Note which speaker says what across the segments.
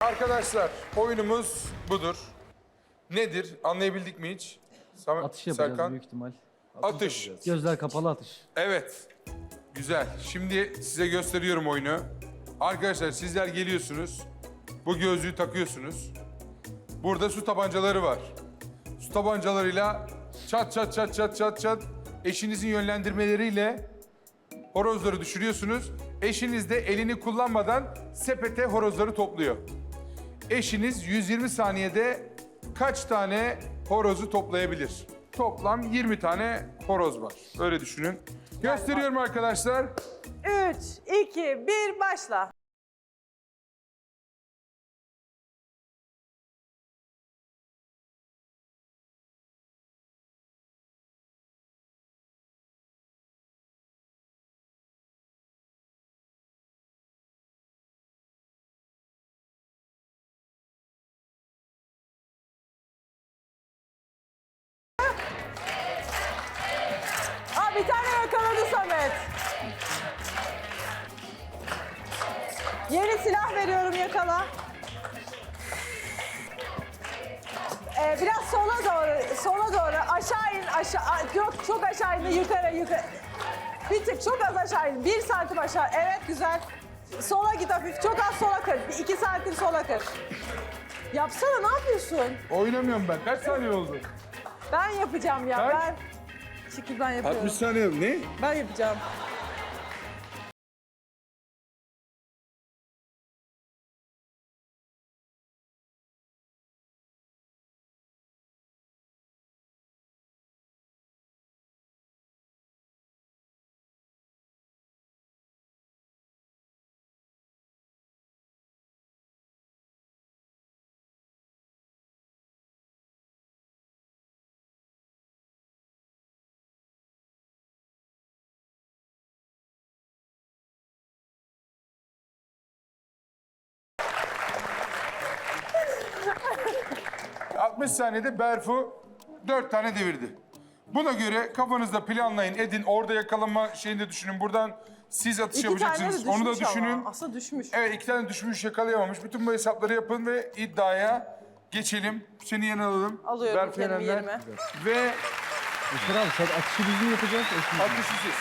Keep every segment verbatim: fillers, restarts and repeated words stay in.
Speaker 1: Arkadaşlar oyunumuz budur. Nedir? Anlayabildik mi hiç? Sam-
Speaker 2: Atış yapacağız
Speaker 1: Serkan?
Speaker 2: büyük ihtimal.
Speaker 1: Atış.
Speaker 2: Gözler kapalı atış.
Speaker 1: Evet. Güzel. Şimdi size gösteriyorum oyunu. Arkadaşlar sizler geliyorsunuz. Bu gözlüğü takıyorsunuz. Burada su tabancaları var. Su tabancalarıyla çat çat çat çat çat çat eşinizin yönlendirmeleriyle horozları düşürüyorsunuz. Eşiniz de elini kullanmadan sepete horozları topluyor. Eşiniz yüz yirmi saniyede kaç tane horozu toplayabilir? Toplam yirmi tane horoz var. Öyle düşünün. Gösteriyorum arkadaşlar.
Speaker 3: Üç, iki, bir, başla. Aa, bir tane yakaladı Samet. Yeni silah veriyorum, yakala. Ee, biraz sola doğru, sola doğru. Aşağı in, aşağı. Yok, çok aşağı in, yukarı, yukarı. Bir tık, çok az aşağı in. Bir santim aşağı. Evet, güzel. Sola git hafif. Çok az sola kır. Bir iki santim sola kır. Yapsana, ne yapıyorsun?
Speaker 1: Oynamıyorum ben. Kaç saniye oldu?
Speaker 3: Ben yapacağım ya,
Speaker 1: Kaç?
Speaker 3: ben. Şekil ben yapıyorum.
Speaker 1: altmış saniye. Ne?
Speaker 3: Ben yapacağım.
Speaker 1: altmış saniyede Berfu dört tane devirdi. Buna göre kafanızda planlayın, edin. Orada yakalama şeyini de düşünün. Buradan siz atış
Speaker 3: İki tane de
Speaker 1: yapacaksınız.
Speaker 3: düşmüş
Speaker 1: Onu da
Speaker 3: ama.
Speaker 1: düşünün.
Speaker 3: Aslında düşmüş.
Speaker 1: Evet, iki tane düşmüş, yakalayamamış. Bütün bu hesapları yapın ve iddiaya geçelim. Seni yanına alalım.
Speaker 3: Alıyorum
Speaker 1: Berfu
Speaker 3: kendimi
Speaker 1: Yenerler.
Speaker 3: yerime.
Speaker 1: Ve
Speaker 2: Eşler abi sen atışı düzgün yapacağız. Eşin.
Speaker 1: atışı siz.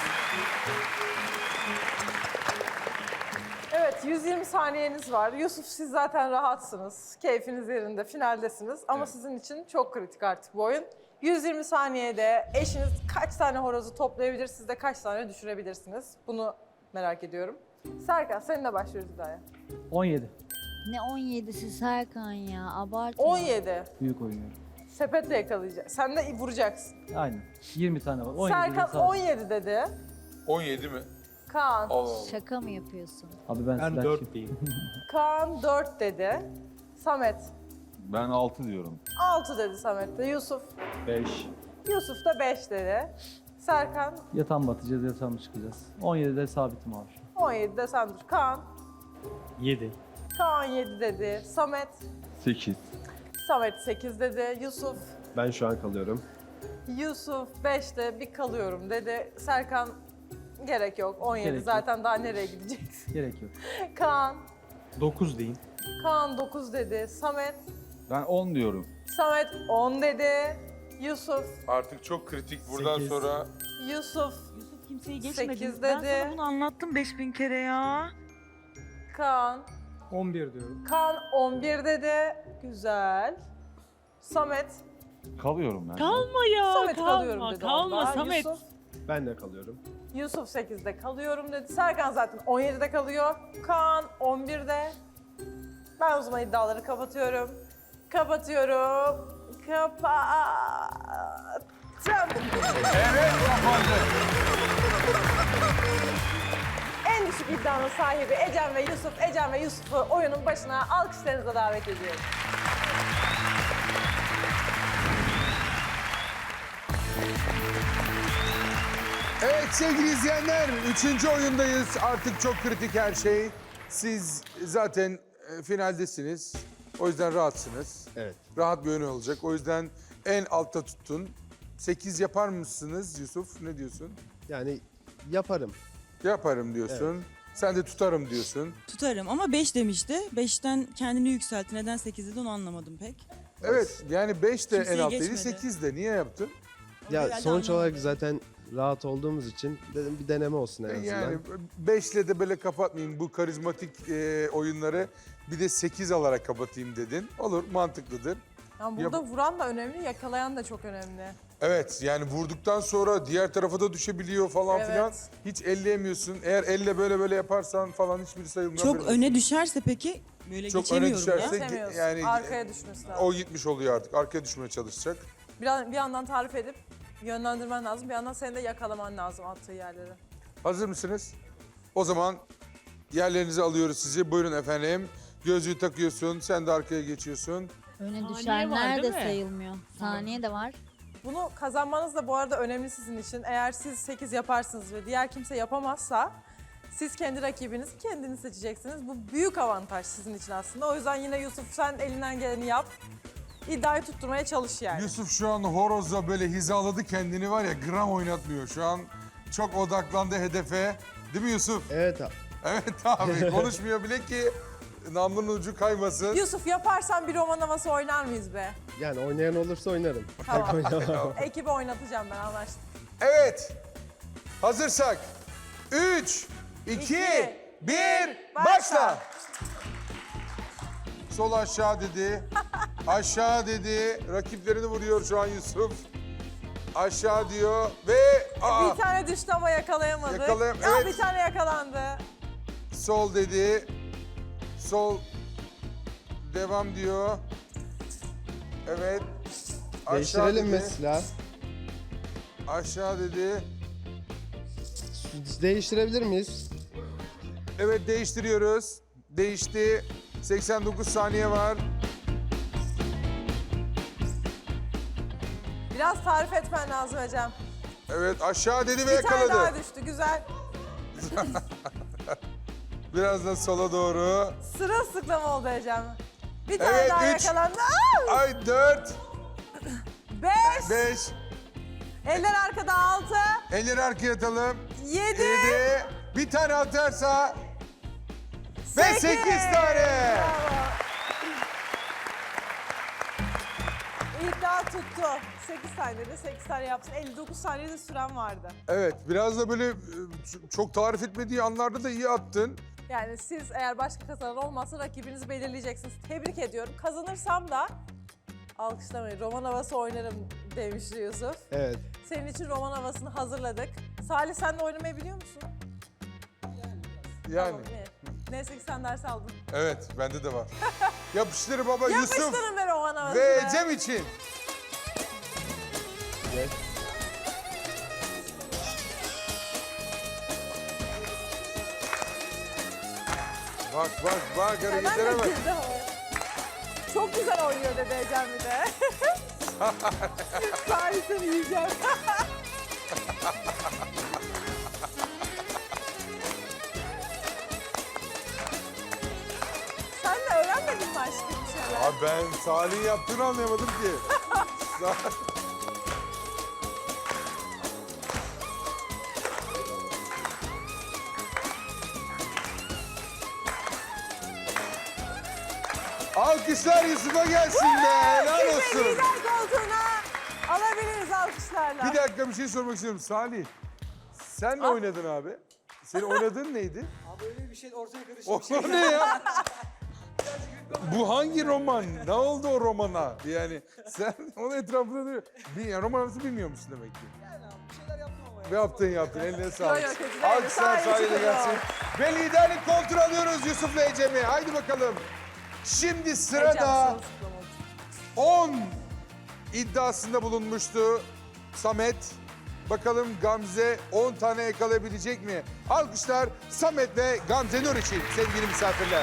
Speaker 3: Evet, yüz yirmi saniyeniz var. Yusuf, siz zaten rahatsınız. Keyfiniz yerinde, finaldesiniz. Ama sizin için çok kritik artık bu oyun. yüz yirmi saniyede eşiniz kaç tane horozu toplayabilir, siz de kaç tane düşürebilirsiniz? Bunu merak ediyorum. Serkan, seninle başlıyoruz iddiaya.
Speaker 2: on yedi.
Speaker 4: Ne on yedisi Serkan ya, abartma.
Speaker 3: on yedi.
Speaker 2: Büyük oynuyorum.
Speaker 3: Sepetle yakalayacak. Sen de vuracaksın.
Speaker 2: Aynen. yirmi tane var. on yedi
Speaker 3: Serkan
Speaker 2: de sağ-
Speaker 3: on yedi dedi.
Speaker 1: on yedi mi?
Speaker 3: Kaan.
Speaker 1: Allah Allah.
Speaker 4: Şaka mı yapıyorsun?
Speaker 2: Abi ben,
Speaker 5: Ben
Speaker 2: silahçıyım.
Speaker 5: dört diyeyim.
Speaker 3: Kaan dört dedi. Samet
Speaker 6: Ben altı diyorum.
Speaker 3: altı dedi Samet de. Yusuf.
Speaker 5: beş.
Speaker 3: Yusuf da beş dedi. Serkan
Speaker 2: Yatan batacağız, yatan çıkacağız. on yedide sabitim abi.
Speaker 3: on yedide sen dur. Kaan.
Speaker 5: yedi.
Speaker 3: Kaan yedi dedi. Samet.
Speaker 6: sekiz.
Speaker 3: Samet sekiz dedi. Yusuf.
Speaker 5: Ben şu an kalıyorum.
Speaker 3: Yusuf beşte bir kalıyorum dedi. Serkan gerek yok. on yedi
Speaker 2: Gerek yok.
Speaker 3: zaten daha nereye gideceksin?
Speaker 2: Gerek yok.
Speaker 3: Kaan.
Speaker 5: dokuz diyeyim.
Speaker 3: Kaan dokuz dedi. Samet.
Speaker 6: Ben on diyorum.
Speaker 3: Samet on dedi. Yusuf.
Speaker 1: Artık çok kritik buradan
Speaker 5: Sekiz.
Speaker 1: sonra.
Speaker 3: Yusuf.
Speaker 7: Yusuf kimseyi geçmedi.
Speaker 3: Sekiz
Speaker 7: Ben
Speaker 3: dedi.
Speaker 7: sana bunu anlattım beş bin kere ya.
Speaker 3: Kaan.
Speaker 5: on bir diyorum.
Speaker 3: Kaan on bir dedi. Güzel. Samet.
Speaker 6: Kalıyorum ben.
Speaker 7: Kalma ya.
Speaker 3: Samet
Speaker 7: kalma,
Speaker 3: kalıyorum dedi.
Speaker 7: Kalma
Speaker 3: onda.
Speaker 7: Samet.
Speaker 3: Yusuf.
Speaker 5: Ben de kalıyorum.
Speaker 3: Yusuf sekizde kalıyorum dedi. Serkan zaten on yedide kalıyor. Kaan on birde. Ben o zaman iddiaları kapatıyorum. Kapatıyorum. Kapattım.
Speaker 1: Evet, kapandı.
Speaker 3: En düşük iddianın sahibi Ecem ve Yusuf. Ecem ve Yusuf'u oyunun başına alkışlarınıza davet ediyorum.
Speaker 1: Evet sevgili izleyenler, üçüncü oyundayız. Artık çok kritik her şey. Siz zaten e, finaldesiniz. O yüzden rahatsınız.
Speaker 5: Evet.
Speaker 1: Rahat bir oyun olacak. O yüzden en altta tuttun. sekiz yapar mısınız Yusuf? Ne diyorsun?
Speaker 5: Yani yaparım.
Speaker 1: Yaparım diyorsun. Sen de tutarım diyorsun.
Speaker 8: Tutarım ama beş demişti. beşten kendini yükseltti. Neden sekiz dedi onu anlamadım pek.
Speaker 1: Evet yani beş de en
Speaker 8: Kimseyi
Speaker 1: alttaydı,
Speaker 8: geçmedi.
Speaker 1: sekiz de. Niye yaptın?
Speaker 5: Ya
Speaker 8: Herhalde
Speaker 5: sonuç
Speaker 8: anlamadım.
Speaker 5: olarak zaten rahat olduğumuz için dedim bir deneme olsun en azından.
Speaker 1: Yani beşle de böyle kapatmayayım bu karizmatik e, oyunları. Bir de sekiz alarak kapatayım dedin. Olur, mantıklıdır.
Speaker 3: Yani burada vuran da önemli, yakalayan da çok önemli.
Speaker 1: Evet yani vurduktan sonra diğer tarafa da düşebiliyor falan
Speaker 3: Evet.
Speaker 1: filan. Hiç elleyemiyorsun. Eğer elle böyle böyle yaparsan falan hiçbiri sayılmıyor.
Speaker 8: Çok
Speaker 1: Haberin
Speaker 8: öne
Speaker 1: olsun.
Speaker 8: düşerse peki böyle
Speaker 1: Çok öne
Speaker 8: geçemiyorum ya.
Speaker 1: düşerse-
Speaker 3: Geçemiyorsun.
Speaker 1: yani-
Speaker 3: Arkaya düşmesi lazım.
Speaker 1: O gitmiş oluyor artık. Arkaya düşmeye çalışacak.
Speaker 3: Bir, bir yandan tarif edip yönlendirmen lazım. Bir yandan seni de yakalaman lazım attığı yerleri.
Speaker 1: Hazır mısınız? O zaman yerlerinizi alıyoruz sizi. Buyurun efendim. Gözlüğü takıyorsun. Sen de arkaya geçiyorsun.
Speaker 4: Öne
Speaker 7: Saniye var,
Speaker 4: düşenler de
Speaker 7: değil mi?
Speaker 4: sayılmıyor. Saniye de var.
Speaker 3: Bunu kazanmanız da bu arada önemli sizin için. Eğer siz sekiz yaparsınız ve diğer kimse yapamazsa siz kendi rakibinizi kendiniz seçeceksiniz. Bu büyük avantaj sizin için aslında. O yüzden yine Yusuf sen elinden geleni yap. İddiayı tutturmaya çalış yani.
Speaker 1: Yusuf şu an horozla böyle hizaladı kendini var ya, gram oynatmıyor. Şu an çok odaklandı hedefe. Değil mi Yusuf?
Speaker 5: Evet abi.
Speaker 1: Evet abi, konuşmuyor bile ki namlunun ucu kaymasın.
Speaker 3: Yusuf yaparsan bir roman havası oynar mıyız be?
Speaker 5: Yani oynayan olursa oynarım.
Speaker 3: Tamam.
Speaker 5: Oynamam.
Speaker 3: Ekibi oynatacağım ben, anlaştık.
Speaker 1: Evet. Hazırsak. Üç, iki,
Speaker 3: İki,
Speaker 1: bir,
Speaker 3: başla.
Speaker 1: başla. Sol aşağı dedi. Aşağı dedi. Rakiplerini vuruyor şu an Yusuf. Aşağı diyor ve aa,
Speaker 3: Bir tane düştü ama yakalayamadı.
Speaker 1: Yakalayam-
Speaker 3: Aa,
Speaker 1: evet.
Speaker 3: Bir tane yakalandı.
Speaker 1: sol dedi. Sol devam diyor. Evet. Aşağı
Speaker 5: Değiştirelim mi
Speaker 1: dedi.
Speaker 5: silah?
Speaker 1: Aşağı dedi.
Speaker 5: Değiştirebilir miyiz?
Speaker 1: Evet, değiştiriyoruz. Değişti. seksen dokuz saniye var.
Speaker 3: Biraz tarif etmen lazım Ecem.
Speaker 1: Evet, aşağı dedi ve
Speaker 3: Bir tane daha
Speaker 1: yakaladı.
Speaker 3: düştü, güzel.
Speaker 1: Biraz da sola doğru.
Speaker 3: Sırılsıklam oldu Ecem. Bir tane
Speaker 1: Evet,
Speaker 3: daha
Speaker 1: üç.
Speaker 3: yakalandı. Aa!
Speaker 1: Ay dört,
Speaker 3: Beş.
Speaker 1: beş,
Speaker 3: Eller arkada altı.
Speaker 1: elleri arkaya atalım.
Speaker 3: Yedi.
Speaker 1: Yedi, bir tane atarsa ve
Speaker 3: Sekiz.
Speaker 1: sekiz tane.
Speaker 3: Bravo. İddia tuttu. sekiz saniyede sekiz tane yapsın. elli dokuz saniyede süren vardı.
Speaker 1: Evet, biraz da böyle e, ç- çok tarif etmediği anlarda da iyi attın.
Speaker 3: Yani siz eğer başka kazanan olmazsa rakibinizi belirleyeceksiniz. Tebrik ediyorum. Kazanırsam da alkışlamayın. Roman havası oynarım demişti Yusuf.
Speaker 5: Evet.
Speaker 3: Senin için roman havasını hazırladık. Salih sen de oynamayı biliyor musun?
Speaker 1: Yani.
Speaker 3: Tamam, iyi. Neyse ki sen ders aldın.
Speaker 1: Evet, bende de var. Yapıştır baba Yusuf
Speaker 3: Yapıştırın be roman havasını.
Speaker 1: ve Cem için.
Speaker 5: Gel.
Speaker 1: Bak bak bak
Speaker 3: Hemen
Speaker 1: hareketlere
Speaker 3: de
Speaker 1: bak.
Speaker 3: girdi havaya. Çok güzel oynuyor dedi Ecem bir de. Salih seni yiyeceğim. Sen de öğrenmedin mi aşkım bir şeyler?
Speaker 1: Abi ben Salih'in yaptığını anlayamadım ki. Sa- Alkışlar Yusuf'a gelsin be. Helal
Speaker 3: Sizi
Speaker 1: olsun.
Speaker 3: lider koltuğuna alabiliriz alkışlarla.
Speaker 1: Bir dakika bir şey sormak istiyorum. Salih, sen ne
Speaker 3: Al.
Speaker 1: oynadın abi? Senin oynadığın neydi?
Speaker 9: Abi öyle bir şey ortaya karışık
Speaker 1: O
Speaker 9: bir şey.
Speaker 1: ne ya? Bu hangi roman? Ne oldu o romana? Yani sen onun etrafında duruyor. Bir roman arası bilmiyor musun demek ki?
Speaker 9: Yani abi bir şeyler yaptım ama ya.
Speaker 1: Ne yaptın yaptın eline sağlık.
Speaker 3: Yok, yok, kötü değil.
Speaker 1: Alkışlar
Speaker 3: Sadece
Speaker 1: Salih'e
Speaker 3: çıkıyor.
Speaker 1: gelsin. Ve liderlik kontrol alıyoruz Yusuf'la Ecem'i. Haydi bakalım. Şimdi
Speaker 3: Ecem
Speaker 1: sırada
Speaker 3: sırılsıklam oldu.
Speaker 1: on iddiasında bulunmuştu Samet. Bakalım Gamze on tane yakalayabilecek mi? Alkışlar Samet ve Gamze Nur için sevgili misafirler.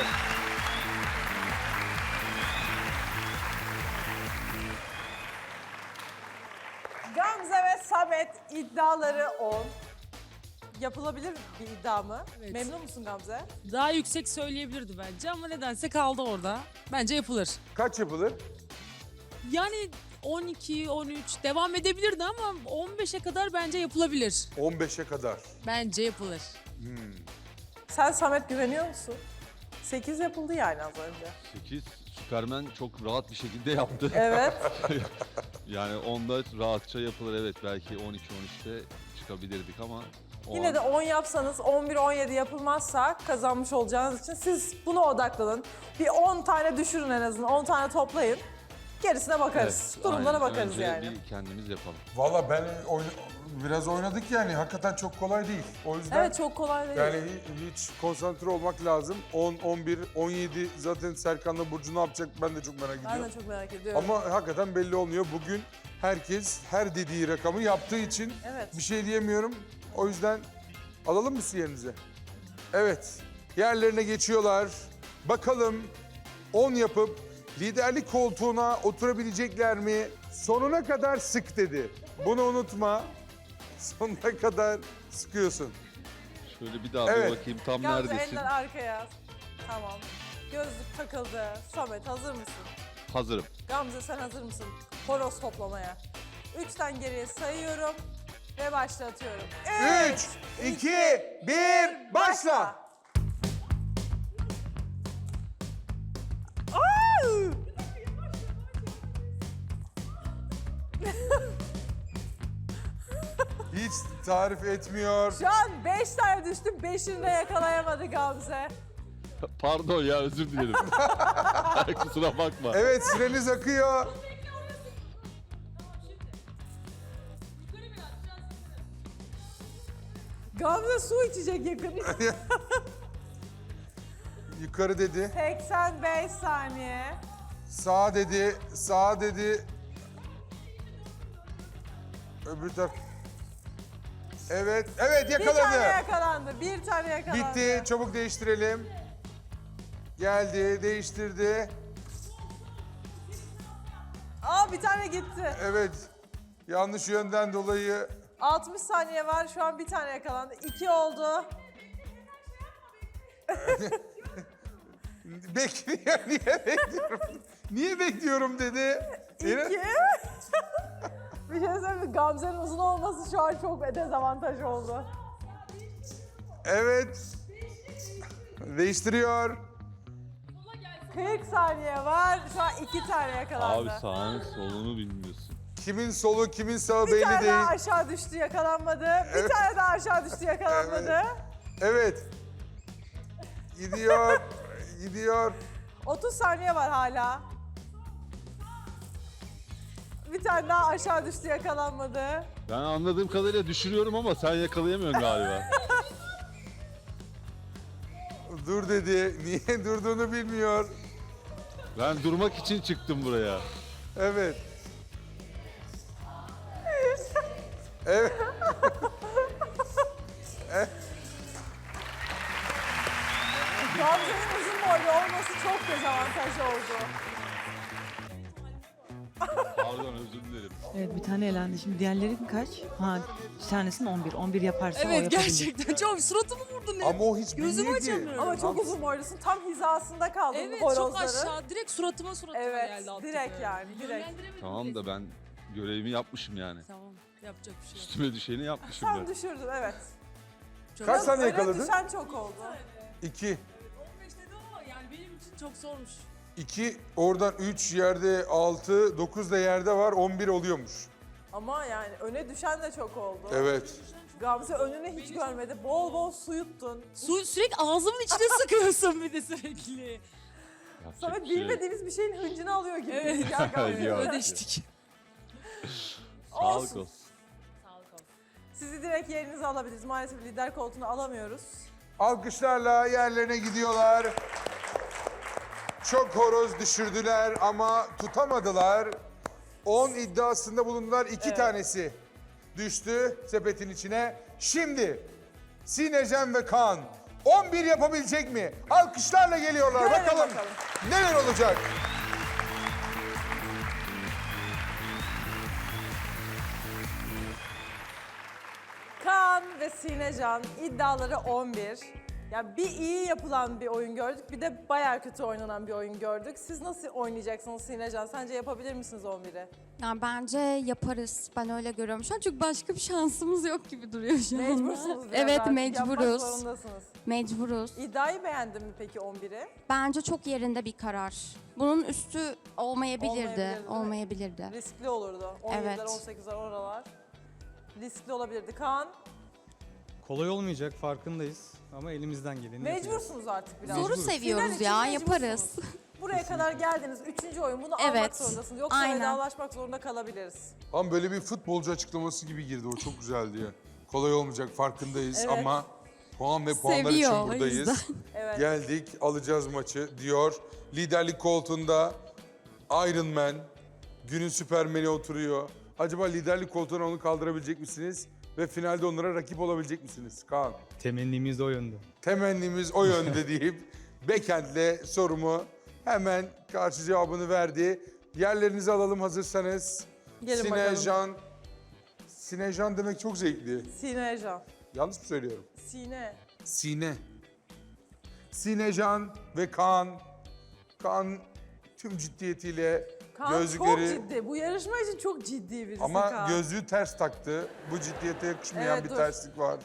Speaker 3: Gamze ve Samet iddiaları on. Yapılabilir bir iddia mı?
Speaker 10: Evet.
Speaker 3: Memnun musun Gamze?
Speaker 10: Daha yüksek söyleyebilirdi bence ama nedense kaldı orada. Bence yapılır.
Speaker 1: Kaç yapılır?
Speaker 10: Yani on iki, on üç devam edebilirdi ama on beşe kadar bence yapılabilir.
Speaker 1: on beşe kadar.
Speaker 10: Bence yapılır.
Speaker 3: Sen Samet güveniyor musun? sekiz yapıldı yani az önce.
Speaker 11: sekiz Süpermen çok rahat bir şekilde yaptı.
Speaker 3: Evet.
Speaker 11: Yani onda rahatça yapılır, evet, belki on iki on üçte çıkabilirdik ama o
Speaker 3: Yine
Speaker 11: an-
Speaker 3: de on yapsanız on bir on yedi yapılmazsa kazanmış olacağınız için siz buna odaklanın. Bir on tane düşürün en azından. on tane toplayın. Gerisine bakarız.
Speaker 11: Evet,
Speaker 3: Durumlara
Speaker 11: aynen.
Speaker 3: bakarız
Speaker 11: Önce
Speaker 3: yani.
Speaker 11: bir kendimiz yapalım.
Speaker 1: Valla ben oyna- biraz oynadık yani. Hakikaten çok kolay değil. O yüzden
Speaker 3: Evet çok kolay değil.
Speaker 1: yani hi- hiç konsantre olmak lazım. on, on bir, on yedi zaten Serkan'la Burcu ne yapacak ben de çok merak
Speaker 3: Ben
Speaker 1: ediyorum.
Speaker 3: de çok merak ediyorum.
Speaker 1: Ama hakikaten belli olmuyor. Bugün herkes her dediği rakamı yaptığı için
Speaker 3: Evet.
Speaker 1: bir şey diyemiyorum. O yüzden alalım mı siz yerinize? Evet, yerlerine geçiyorlar. Bakalım on yapıp liderlik koltuğuna oturabilecekler mi? Sonuna kadar sık dedi. Bunu unutma. Sonuna kadar sıkıyorsun.
Speaker 11: Şöyle bir daha
Speaker 1: Evet.
Speaker 11: bir bakayım tam
Speaker 3: Gamze
Speaker 11: neredesin?
Speaker 3: eller arkaya. Tamam. Gözlük takıldı. Samet hazır mısın?
Speaker 11: Hazırım.
Speaker 3: Gamze sen hazır mısın? Horoz toplamaya. Üçten geriye sayıyorum ve başlatıyorum.
Speaker 1: Üç, iki, bir, başla.
Speaker 3: Au!
Speaker 1: Hiç tarif etmiyor.
Speaker 3: Şu an beş tane düştüm, beşini de yakalayamadı Gamze.
Speaker 11: Pardon ya, özür dilerim. Kusura bakma.
Speaker 1: Evet, süreniz akıyor.
Speaker 3: Gamze su içecek yakın.
Speaker 1: Yukarı dedi.
Speaker 3: seksen beş saniye.
Speaker 1: Sağ dedi, sağ dedi. Öbür taraf. Evet, evet
Speaker 3: Bir tane
Speaker 1: yakaladı.
Speaker 3: yakalandı, bir tane yakalandı.
Speaker 1: Bitti, çabuk değiştirelim. Geldi, değiştirdi.
Speaker 3: Aa bir tane gitti.
Speaker 1: Evet, yanlış yönden dolayı.
Speaker 3: altmış saniye var, şu an bir tane yakalandı. İki oldu.
Speaker 1: Bekliyor, niye bekliyorum? Niye bekliyorum dedi. Yine-
Speaker 3: İki. Bir şey söyleyeyim mi? Gamze'nin uzun olması şu an çok dezavantaj oldu.
Speaker 1: Evet. Değiştiriyor.
Speaker 3: kırk saniye var, şu an iki tane yakalandı.
Speaker 11: Abi sağını solunu bilmiyorsun.
Speaker 1: Kimin solu, kimin sağı
Speaker 3: Bir
Speaker 1: belli
Speaker 3: tane
Speaker 1: değil.
Speaker 3: daha aşağı düştü, yakalanmadı. Bir
Speaker 1: Evet.
Speaker 3: tane daha aşağı düştü, yakalanmadı.
Speaker 1: Evet. Gidiyor, gidiyor.
Speaker 3: otuz saniye var hala. Bir tane daha aşağı düştü, yakalanmadı.
Speaker 11: Ben anladığım kadarıyla düşürüyorum ama sen yakalayamıyorsun galiba.
Speaker 1: Dur dedi. Niye durduğunu bilmiyor.
Speaker 11: Ben durmak için çıktım buraya.
Speaker 1: Evet. Evet.
Speaker 3: Gamze'nin uzun boylu olması çok dezavantaj oldu.
Speaker 11: Pardon, özür dilerim.
Speaker 8: Evet bir tane elendi. Şimdi diğerleri kaç? Ha bir tanesinin on bir. on bir yaparsa o
Speaker 10: Evet
Speaker 8: yapabilir.
Speaker 10: gerçekten çok suratımı vurdun.
Speaker 1: Ama o hiç
Speaker 10: Gözümü
Speaker 1: bilmedi.
Speaker 10: açamıyorum.
Speaker 3: Ama çok uzun boylusun, tam hizasında kaldın
Speaker 10: Evet
Speaker 3: bu
Speaker 10: çok
Speaker 3: horozları.
Speaker 10: aşağı direkt suratıma suratıma
Speaker 3: Evet,
Speaker 10: geldi attığı.
Speaker 3: direkt yani, direkt.
Speaker 10: Yönlendiremedim
Speaker 11: Tamam da
Speaker 10: bile.
Speaker 11: ben görevimi yapmışım yani.
Speaker 10: Tamam yapacak bir şey yok.
Speaker 11: Üstüme düşeni yapmışım
Speaker 3: Sen
Speaker 11: ben.
Speaker 3: düşürdün, evet.
Speaker 10: Çok
Speaker 1: Kaç tane
Speaker 3: Öne
Speaker 1: yakaladın?
Speaker 3: düşen çok oldu.
Speaker 1: İki.
Speaker 10: on beş dedim ama yani benim için çok zormuş.
Speaker 1: İki, oradan üç yerde, altı, dokuz da yerde var, on bir oluyormuş.
Speaker 3: Ama yani öne düşen de çok oldu.
Speaker 1: Evet.
Speaker 3: Gamze önünü hiç görmedi. Bol bol su yuttun.
Speaker 10: Su sürekli ağzımın içine sıkıyorsun bir de sürekli.
Speaker 11: Yapacak
Speaker 3: Samet
Speaker 11: bir şey yok.
Speaker 3: bilmediğimiz bir şeyin hıncını alıyor gibi.
Speaker 10: Evet.
Speaker 3: Ya Gamze.
Speaker 11: Yok.
Speaker 10: Ödeştik.
Speaker 11: Sağlık
Speaker 3: Olsun.
Speaker 11: olsun.
Speaker 10: Sağlık olsun.
Speaker 3: Sizi direkt yerinize alabiliriz. Maalesef lider koltuğunu alamıyoruz.
Speaker 1: Alkışlarla yerlerine gidiyorlar. Çok horoz düşürdüler ama tutamadılar. on iddiasında bulundular. iki
Speaker 3: Evet.
Speaker 1: tanesi düştü sepetin içine. Şimdi Sinecem ve Kaan on bir yapabilecek mi? Alkışlarla geliyorlar.
Speaker 3: Görelim
Speaker 1: Bakalım,
Speaker 3: bakalım.
Speaker 1: neler olacak?
Speaker 3: Kaan ve Sinecan iddiaları on bir. Yani bir iyi yapılan bir oyun gördük, bir de bayağı kötü oynanan bir oyun gördük. Siz nasıl oynayacaksınız Sinecan? Sence yapabilir misiniz on biri?
Speaker 12: Yani bence yaparız. Ben öyle görüyorum şu an. Çünkü başka bir şansımız yok gibi duruyor şu anda.
Speaker 3: Mecbursunuz biraz
Speaker 12: Evet,
Speaker 3: artık.
Speaker 12: mecburuz.
Speaker 3: Yapmak zorundasınız.
Speaker 12: Mecburuz.
Speaker 3: İddiayı beğendin mi peki on biri?
Speaker 12: Bence çok yerinde bir karar. Bunun üstü olmayabilirdi.
Speaker 3: Olmayabilirdi, değil mi?
Speaker 12: Olmayabilirdi.
Speaker 3: Riskli olurdu. on yediler,
Speaker 12: Evet.
Speaker 3: on sekizler oralar. Riskli olabilirdi. Kaan,
Speaker 9: Kolay olmayacak farkındayız ama elimizden geleni yapacağız.
Speaker 3: mecbursunuz artık biraz.
Speaker 12: Zoru
Speaker 3: Final
Speaker 12: seviyoruz
Speaker 3: için
Speaker 12: ya,
Speaker 3: mecbursunuz.
Speaker 12: yaparız.
Speaker 3: Buraya kadar geldiniz. Üçüncü oyun. Bunu almak
Speaker 12: Evet,
Speaker 3: zorundasınız. Yoksa
Speaker 12: aynen.
Speaker 3: vedalaşmak zorunda kalabiliriz.
Speaker 1: Ama böyle bir futbolcu açıklaması gibi girdi. O çok güzeldi ya. Kolay olmayacak farkındayız
Speaker 3: Evet.
Speaker 1: ama puan ve puanlar
Speaker 12: Seviyor,
Speaker 1: için
Speaker 12: o
Speaker 1: buradayız.
Speaker 12: yüzden.
Speaker 3: Evet.
Speaker 1: Geldik, alacağız maçı diyor. Liderlik koltuğunda Iron Man, günün Süpermen'i oturuyor. Acaba liderlik koltuğuna onu kaldırabilecek misiniz? Ve finalde onlara rakip olabilecek misiniz? Kaan.
Speaker 9: Temennimiz de o yönde.
Speaker 1: Temennimiz o yönde deyip Bekent'le sorumu hemen karşı cevabını verdi. Yerlerinizi alalım hazırsanız.
Speaker 3: Gelin bakalım.
Speaker 1: Sinecan. Sinecan demek çok zevkli.
Speaker 3: Sinecan.
Speaker 1: Yanlış mı söylüyorum?
Speaker 3: Sine.
Speaker 1: Sine. Sinecan ve Kaan. Kaan tüm ciddiyetiyle
Speaker 3: Kaan
Speaker 1: gözlükleri...
Speaker 3: çok ciddi. Bu yarışma için çok ciddi birisi
Speaker 1: Ama
Speaker 3: Kaan.
Speaker 1: gözlüğü ters taktı. Bu ciddiyete yakışmayan
Speaker 3: Evet,
Speaker 1: bir
Speaker 3: dur.
Speaker 1: terslik var.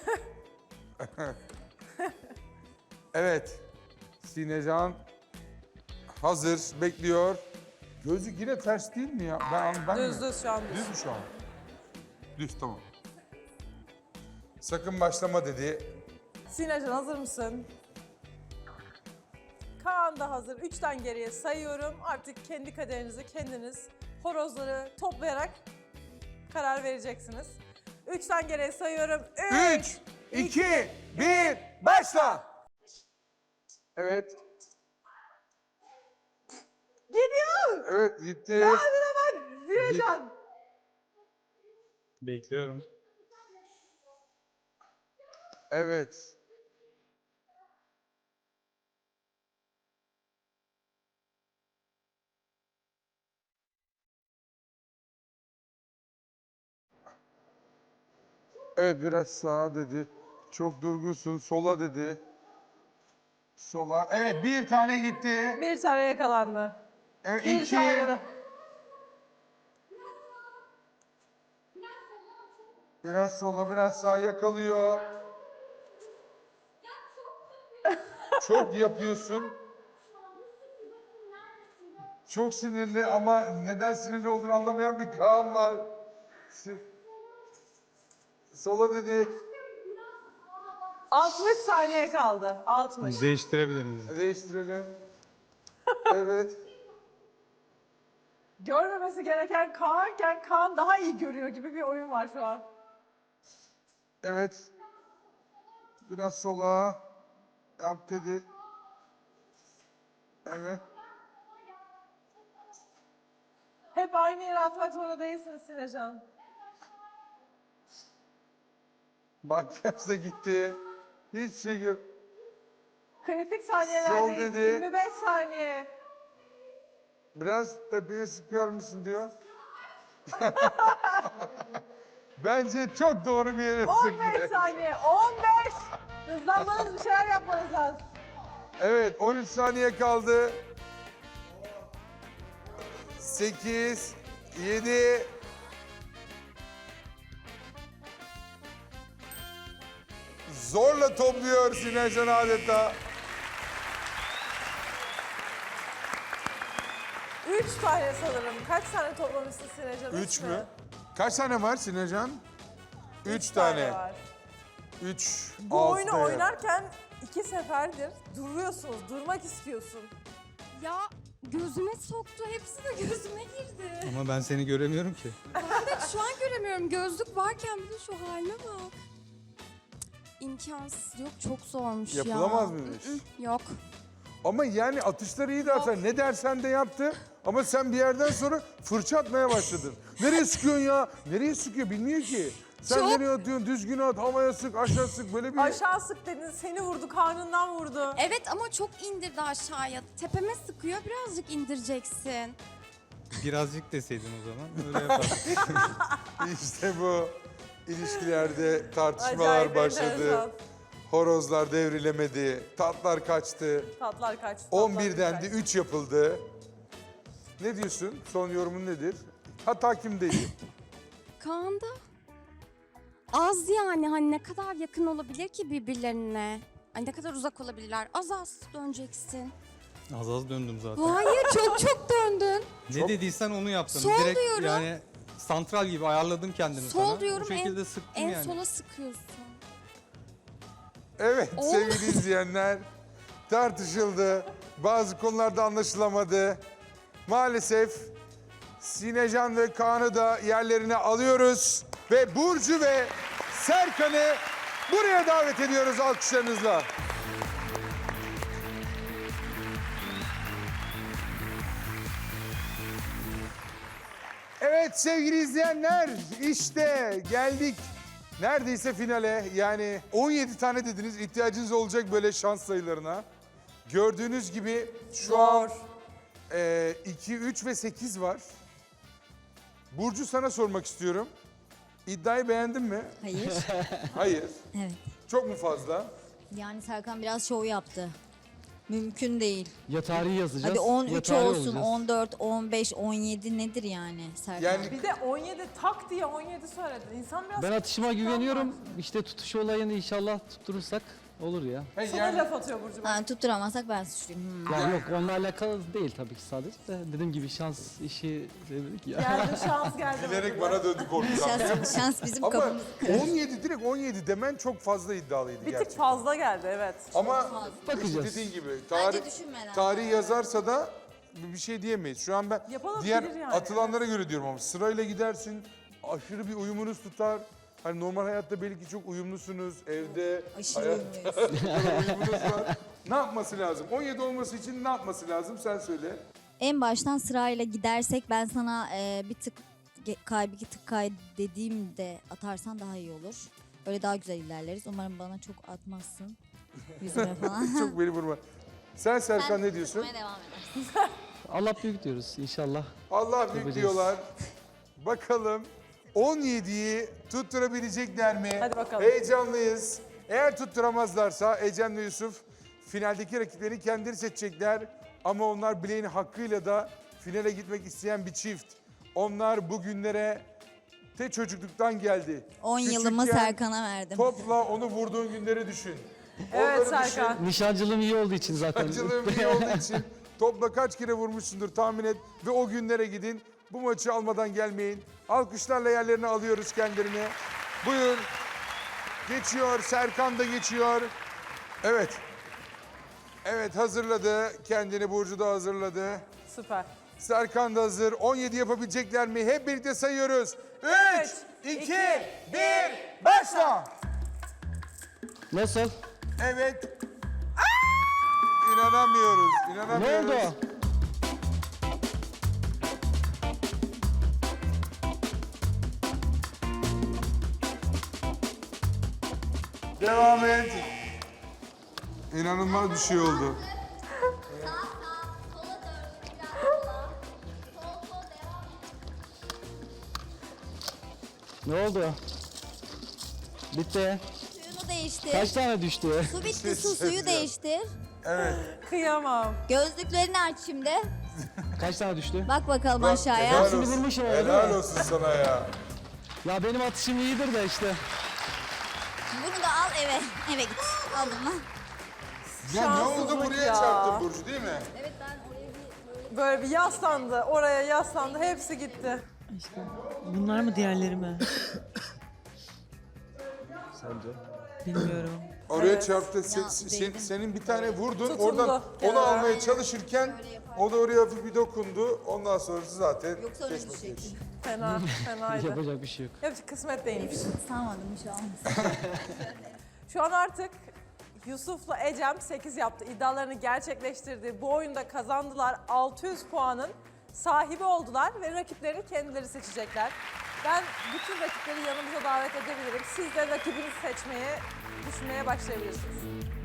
Speaker 1: Evet. Sinecan hazır, bekliyor. Gözlük yine ters değil mi ya? Ben, ben
Speaker 3: Düz
Speaker 1: mi?
Speaker 3: düz şu an düz.
Speaker 1: Düz mü şu an? Düz, tamam. Sakın başlama dedi.
Speaker 3: Sinecan hazır mısın? Kaan da hazır. Üçten geriye sayıyorum. Artık kendi kaderinizi kendiniz horozları toplayarak karar vereceksiniz. Üçten geriye sayıyorum.
Speaker 1: Üç, iki, bir, başla! Evet.
Speaker 3: Gidiyor.
Speaker 1: Evet, gitti.
Speaker 3: Hadi hemen Sinecan.
Speaker 9: Bekliyorum.
Speaker 1: Evet. Evet, biraz sağa dedi. Çok durgunsun, sola dedi. Sola. Evet, bir tane gitti.
Speaker 3: Bir tane yakalandı.
Speaker 1: Evet,
Speaker 3: Bir
Speaker 1: iki.
Speaker 3: tane.
Speaker 1: Biraz sola, biraz sağa yakalıyor. Çok yapıyorsun. Çok sinirli ama neden sinirli olduğunu anlamayan bir Kaan var. Si- Sola dedik.
Speaker 3: altmış saniye kaldı. altmış.
Speaker 9: Değiştirebilir miyiz?
Speaker 1: Değiştirelim. Evet.
Speaker 3: Görmemesi gereken Kaan'ken Kaan daha iyi görüyor gibi bir oyun var şu an.
Speaker 1: Evet. Biraz sola. Yap dedi. Evet.
Speaker 3: Hep aynı yere atmak zorunda değilsiniz Sinecan.
Speaker 1: Bak terse gitti. Hiç şey yok.
Speaker 3: Kritik
Speaker 1: Sol
Speaker 3: saniyelerdeyiz.
Speaker 1: dedi.
Speaker 3: yirmi beş saniye.
Speaker 1: Biraz tepeye sıkıyor musun diyor. Bence çok doğru bir yere
Speaker 3: on
Speaker 1: sıktı.
Speaker 3: beş saniye. on beş. Hızlanmanız, bir şeyler yapmanız lazım.
Speaker 1: Evet, on üç saniye kaldı. sekiz, yedi. Zorla topluyor Sinecan adeta.
Speaker 3: üç tane sanırım. Kaç tane toplamışsın Sinecan?
Speaker 1: Üç mü? Kaç tane var Sinecan? Üç tane.
Speaker 3: var.
Speaker 1: Üç,
Speaker 3: Bu
Speaker 1: altı
Speaker 3: oyunu
Speaker 1: da ya.
Speaker 3: oynarken iki seferdir duruyorsunuz, durmak istiyorsun.
Speaker 12: Ya gözüme soktu. Hepsi de gözüme girdi.
Speaker 9: Ama ben seni göremiyorum ki.
Speaker 12: Evet, şu an göremiyorum. Gözlük varken bir de şu haline bak. İmkansız. Yok, çok zormuş ya.
Speaker 1: Yapılamaz mıymış?
Speaker 12: Mm-mm, Yok.
Speaker 1: Ama yani atışları iyi dersen ne dersen de yaptı. Ama sen bir yerden sonra fırça atmaya başladın. Nereye sıkıyorsun ya? Nereye sıkıyor bilmiyor ki. Sen
Speaker 12: Çok-
Speaker 1: nereye atıyorsun? Düzgün at, havaya sık, aşağı sık. Böyle bir...
Speaker 3: Aşağı sık dedin, seni vurdu, karnından vurdu.
Speaker 12: Evet ama çok indirdi aşağıya. Tepeme sıkıyor. Birazcık indireceksin.
Speaker 9: Birazcık deseydin o zaman öyle yapardık.
Speaker 1: İşte bu ilişkilerde tartışmalar
Speaker 3: Acayip
Speaker 1: başladı.
Speaker 3: enteresan.
Speaker 1: Horozlar devrilemedi, tatlar kaçtı.
Speaker 3: Tatlar kaçtı.
Speaker 1: on
Speaker 3: tatlar
Speaker 1: birden de
Speaker 3: kaçtı.
Speaker 1: üç yapıldı. Ne diyorsun? Son yorumun nedir? Hata kimdeydi?
Speaker 12: Kaan'da az yani hani ne kadar yakın olabilir ki birbirlerine? Ay ne kadar uzak olabilirler? Az az döneceksin.
Speaker 9: Az az döndüm zaten.
Speaker 12: Hayır çok çok döndün.
Speaker 9: Ne dediysen onu yaptım.
Speaker 12: Sol
Speaker 9: Direkt
Speaker 12: diyorum.
Speaker 9: yani santral gibi ayarladım kendimi
Speaker 12: Sol
Speaker 9: sana.
Speaker 12: diyorum,
Speaker 9: Bu şekilde
Speaker 12: en-
Speaker 9: sıktım
Speaker 12: En
Speaker 9: yani.
Speaker 12: sola sıkıyorsun.
Speaker 1: Evet
Speaker 12: Olmaz.
Speaker 1: sevgili izleyenler, tartışıldı. Bazı konularda anlaşılamadı. Maalesef Sinecan ve Kaan'ı da yerlerine alıyoruz. Ve Burcu ve Serkan'ı buraya davet ediyoruz alkışlarınızla. Evet sevgili izleyenler, işte geldik neredeyse finale. Yani on yedi tane dediniz, ihtiyacınız olacak böyle şans sayılarına. Gördüğünüz gibi şu an e, iki, üç ve sekiz var. Burcu sana sormak istiyorum. İddiayı beğendin mi?
Speaker 4: Hayır.
Speaker 1: Hayır.
Speaker 4: Evet.
Speaker 1: Çok mu fazla?
Speaker 4: Yani Serkan biraz şov yaptı. Mümkün değil.
Speaker 2: Ya tarihi yazacağız.
Speaker 4: Hadi on
Speaker 2: ya
Speaker 4: üç
Speaker 2: tarih
Speaker 4: olsun,
Speaker 2: olacağız.
Speaker 4: on dört, on beş, on yedi nedir yani Serkan?
Speaker 1: Yani
Speaker 3: Bir de on yedi tak diye on yedi söyledin. İnsan biraz...
Speaker 2: Ben atışıma güveniyorum. İşte tutuş olayını inşallah tutturursak olur ya.
Speaker 1: Hey,
Speaker 3: Sana
Speaker 1: yani
Speaker 3: laf atıyor Burcu. bak.
Speaker 4: Ha, tutturamazsak ben suçluyum. Hmm.
Speaker 2: Ya yok onunla alakalı değil tabii ki sadece de. Dediğim gibi şans işi dedik ya.
Speaker 3: Geldi şans geldi.
Speaker 1: bilerek
Speaker 3: Burcu.
Speaker 1: bana döndü korkudan.
Speaker 4: Şans, şans bizim
Speaker 1: Ama
Speaker 4: kapımızı kırar.
Speaker 1: on yedi direkt on yedi demen çok fazla iddialıydı
Speaker 3: Bir
Speaker 1: gerçekten.
Speaker 3: tık fazla geldi evet.
Speaker 1: Ama
Speaker 2: Bakacağız.
Speaker 1: dediğin gibi tarih,
Speaker 4: Bence düşünmeden.
Speaker 1: tarih yazarsa da bir şey diyemeyiz. Şu an ben
Speaker 3: Yapılabilir
Speaker 1: diğer
Speaker 3: yani,
Speaker 1: atılanlara göre diyorum ama sırayla gidersin, aşırı bir uyumunuz tutar. Hani normal hayatta belki çok uyumlusunuz, evde
Speaker 4: Aşırı
Speaker 1: hayatta uyumunuz var. Ne yapması lazım? on yedi olması için ne yapması lazım? Sen söyle.
Speaker 4: En baştan sırayla gidersek ben sana e, bir tık ge- kay bir tık kay dediğimde atarsan daha iyi olur. Öyle daha güzel ilerleriz. Umarım bana çok atmazsın. Yüzüme falan.
Speaker 1: Çok beni vurma. Sen Serkan
Speaker 4: Sen
Speaker 1: ne diyorsun?
Speaker 4: tutmaya devam edersin.
Speaker 2: Allah büyük diyoruz inşallah.
Speaker 1: Allah büyük
Speaker 2: Yapacağız.
Speaker 1: diyorlar. Bakalım on yediyi tutturabilecekler mi?
Speaker 3: Hadi bakalım.
Speaker 1: Heyecanlıyız. Eğer tutturamazlarsa Ecem ve Yusuf finaldeki rakiplerini kendileri seçecekler. Ama onlar bileğin hakkıyla da finale gitmek isteyen bir çift. Onlar bugünlere te çocukluktan geldi.
Speaker 4: on yılımı
Speaker 1: Küçükken
Speaker 4: Serkan'a verdim.
Speaker 1: Topla onu vurduğun günleri düşün.
Speaker 3: Evet
Speaker 1: Onları
Speaker 3: Serkan.
Speaker 2: Nişancılığım iyi olduğu için zaten.
Speaker 1: Acılığım iyi olduğu için topla kaç kere vurmuşsundur tahmin et ve o günlere gidin. Bu maçı almadan gelmeyin. Alkışlarla yerlerine alıyoruz kendilerini. Buyur. Geçiyor. Serkan da geçiyor. Evet. Evet hazırladı. Kendini Burcu da hazırladı.
Speaker 3: Süper.
Speaker 1: Serkan da hazır. on yedi yapabilecekler mi? Hep birlikte sayıyoruz. üç, iki, bir, başla.
Speaker 2: Nasıl?
Speaker 1: Evet. İnanamıyoruz.
Speaker 2: Ne
Speaker 1: İnanamıyoruz.
Speaker 2: oldu?
Speaker 1: Devam et. İnanılmaz bir şey oldu.
Speaker 2: Ne oldu? Bitti.
Speaker 4: Suyunu değiştir.
Speaker 2: Kaç tane düştü?
Speaker 4: Su bitti su suyu değiştir.
Speaker 1: Evet.
Speaker 3: Kıyamam.
Speaker 4: Gözlüklerini aç şimdi.
Speaker 2: Kaç tane düştü?
Speaker 4: Bak bakalım
Speaker 1: Bak,
Speaker 4: aşağıya.
Speaker 1: helal
Speaker 2: Hepsini
Speaker 1: olsun.
Speaker 2: vurmuşum ama, değil
Speaker 1: Helal
Speaker 2: mi?
Speaker 1: olsun sana ya.
Speaker 2: Ya benim atışım iyidir de işte.
Speaker 4: Bunu da al eve. Eve git. Aldım lan.
Speaker 1: Ya ne oldu
Speaker 3: Şanssızlık
Speaker 1: buraya
Speaker 3: ya.
Speaker 1: çarptın Burcu değil mi?
Speaker 4: Evet ben oraya bir
Speaker 3: Böyle bir yaslandı. Oraya yaslandı. Hepsi gitti.
Speaker 8: Bunlar mı diğerleri mi?
Speaker 2: Sence?
Speaker 8: Bilmiyorum.
Speaker 1: Oraya
Speaker 3: Evet.
Speaker 1: çarptı. Sen-
Speaker 4: Ya,
Speaker 1: sen-
Speaker 4: değdim.
Speaker 1: senin bir tane vurdun.
Speaker 3: Tutuldu
Speaker 1: Oradan onu
Speaker 3: kenara.
Speaker 1: almaya çalışırken o da oraya hafif bir dokundu. Ondan sonrası zaten
Speaker 4: Yoksa öyle
Speaker 1: geçmiş
Speaker 4: düşecek.
Speaker 1: geçmiş.
Speaker 3: Fena. Fenaydı.
Speaker 2: Yapacak bir şey yok.
Speaker 3: Hepsi kısmet değilmiş.
Speaker 4: Sanmadım şu an.
Speaker 3: Şu an artık Yusuf'la Ecem sekiz yaptı. İddialarını gerçekleştirdi. Bu oyunda kazandılar. altı yüz puanın sahibi oldular ve rakiplerini kendileri seçecekler. Ben bütün rakipleri yanımıza davet edebilirim. Siz de rakibinizi seçmeye, düşünmeye başlayabilirsiniz.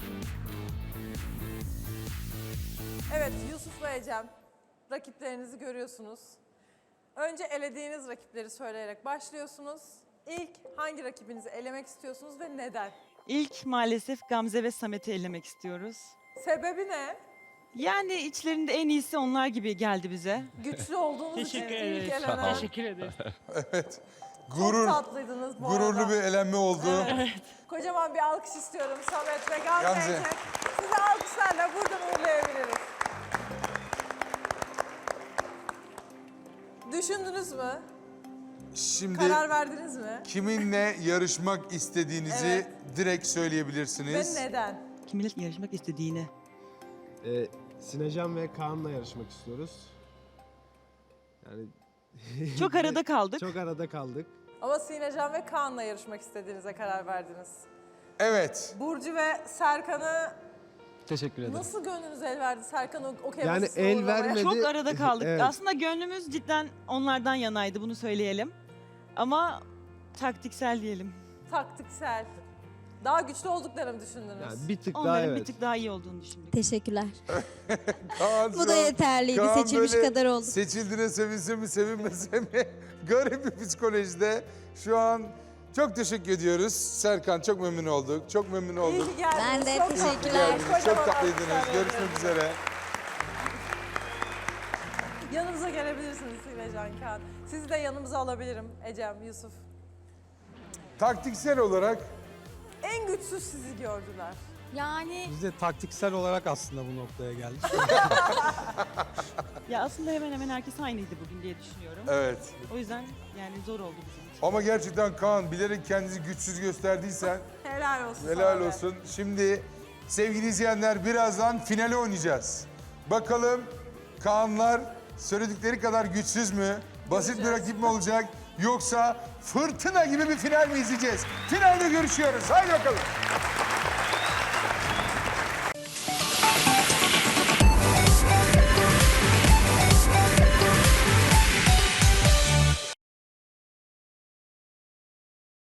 Speaker 3: Evet, Yusuf ve Ecem, rakiplerinizi görüyorsunuz. Önce elediğiniz rakipleri söyleyerek başlıyorsunuz. İlk hangi rakibinizi elemek istiyorsunuz ve neden?
Speaker 8: İlk maalesef Gamze ve Samet'i elemek istiyoruz.
Speaker 3: Sebebi ne?
Speaker 8: Yani içlerinde en iyisi onlar gibi geldi bize.
Speaker 3: Güçlü olduğunuz için
Speaker 10: Teşekkür
Speaker 3: ilk
Speaker 10: ederiz.
Speaker 3: elenen.
Speaker 10: Teşekkür ederiz.
Speaker 1: Evet.
Speaker 3: Çok
Speaker 1: Gurur,
Speaker 3: tatlıydınız bu
Speaker 1: gururlu
Speaker 3: arada.
Speaker 1: bir elenme oldu.
Speaker 3: Kocaman bir alkış istiyorum Samet ve Gamze
Speaker 1: Gamze.
Speaker 3: için. Sizi alkışlarla buradan uğurlayabiliriz. Düşündünüz mü?
Speaker 1: Şimdi
Speaker 3: Karar verdiniz mi?
Speaker 1: kiminle yarışmak istediğinizi
Speaker 3: Evet.
Speaker 1: direkt
Speaker 3: Ve
Speaker 1: söyleyebilirsiniz.
Speaker 3: neden?
Speaker 8: Kiminle yarışmak istediğini.
Speaker 5: Ee, Sinecan ve Kaan'la yarışmak istiyoruz. Yani
Speaker 8: Çok arada kaldık.
Speaker 5: çok arada kaldık.
Speaker 3: Ama Sinecan ve Kaan'la yarışmak istediğinize karar verdiniz.
Speaker 1: Evet.
Speaker 3: Burcu ve Serkan'ı
Speaker 2: Teşekkür ederim.
Speaker 3: nasıl gönlünüz el verdi Serkan'ı okey
Speaker 5: Yani
Speaker 3: masasına
Speaker 5: el
Speaker 3: uğurlamaya?
Speaker 5: vermedi.
Speaker 8: Çok arada kaldık.
Speaker 5: Evet.
Speaker 8: Aslında gönlümüz cidden onlardan yanaydı, bunu söyleyelim. Ama taktiksel diyelim.
Speaker 3: Taktiksel. Daha güçlü olduklarını mı düşündünüz?
Speaker 5: Yani bir tık daha
Speaker 8: Onların
Speaker 5: evet.
Speaker 8: bir tık daha iyi olduğunu düşündük.
Speaker 4: Teşekkürler.
Speaker 1: Kaan
Speaker 4: Bu
Speaker 1: şu
Speaker 4: da
Speaker 1: an-
Speaker 4: yeterliydi.
Speaker 1: Kaan
Speaker 4: Seçilmiş
Speaker 1: böyle
Speaker 4: kadar oldu.
Speaker 1: Seçildiğine sevinse mi sevinmese mi? Garip bir psikolojide. Şu an çok teşekkür ediyoruz. Serkan çok memnun olduk. Çok memnun
Speaker 3: İyi
Speaker 1: olduk.
Speaker 3: ki geldiniz.
Speaker 4: Ben de
Speaker 3: Çok
Speaker 4: teşekkürler.
Speaker 3: tatlıydınız.
Speaker 1: Geldiniz. Çok
Speaker 3: Kocaman
Speaker 1: tatlıydınız.
Speaker 3: alkışlar
Speaker 1: Görüşmek
Speaker 3: veriyorum.
Speaker 1: üzere.
Speaker 3: Yanımıza gelebilirsiniz Sinecan Kaan. Sizi de yanımıza alabilirim Ecem, Yusuf.
Speaker 1: Taktiksel olarak
Speaker 3: En güçsüz sizi gördüler.
Speaker 12: Yani
Speaker 9: Biz de taktiksel olarak aslında bu noktaya geldik.
Speaker 8: Ya aslında hemen hemen herkes aynıydı bugün diye düşünüyorum.
Speaker 1: evet.
Speaker 8: O yüzden yani zor oldu bizim için.
Speaker 1: Ama gerçekten Kaan bilerek kendinizi güçsüz gösterdiysen
Speaker 3: Helal olsun sana
Speaker 1: helal
Speaker 3: be.
Speaker 1: olsun. Şimdi sevgili izleyenler birazdan finale oynayacağız. Bakalım Kaanlar söyledikleri kadar güçsüz mü? Basit bir rakip mi olacak? Yoksa fırtına gibi bir final mi izleyeceğiz? Finalde görüşüyoruz. Haydi bakalım.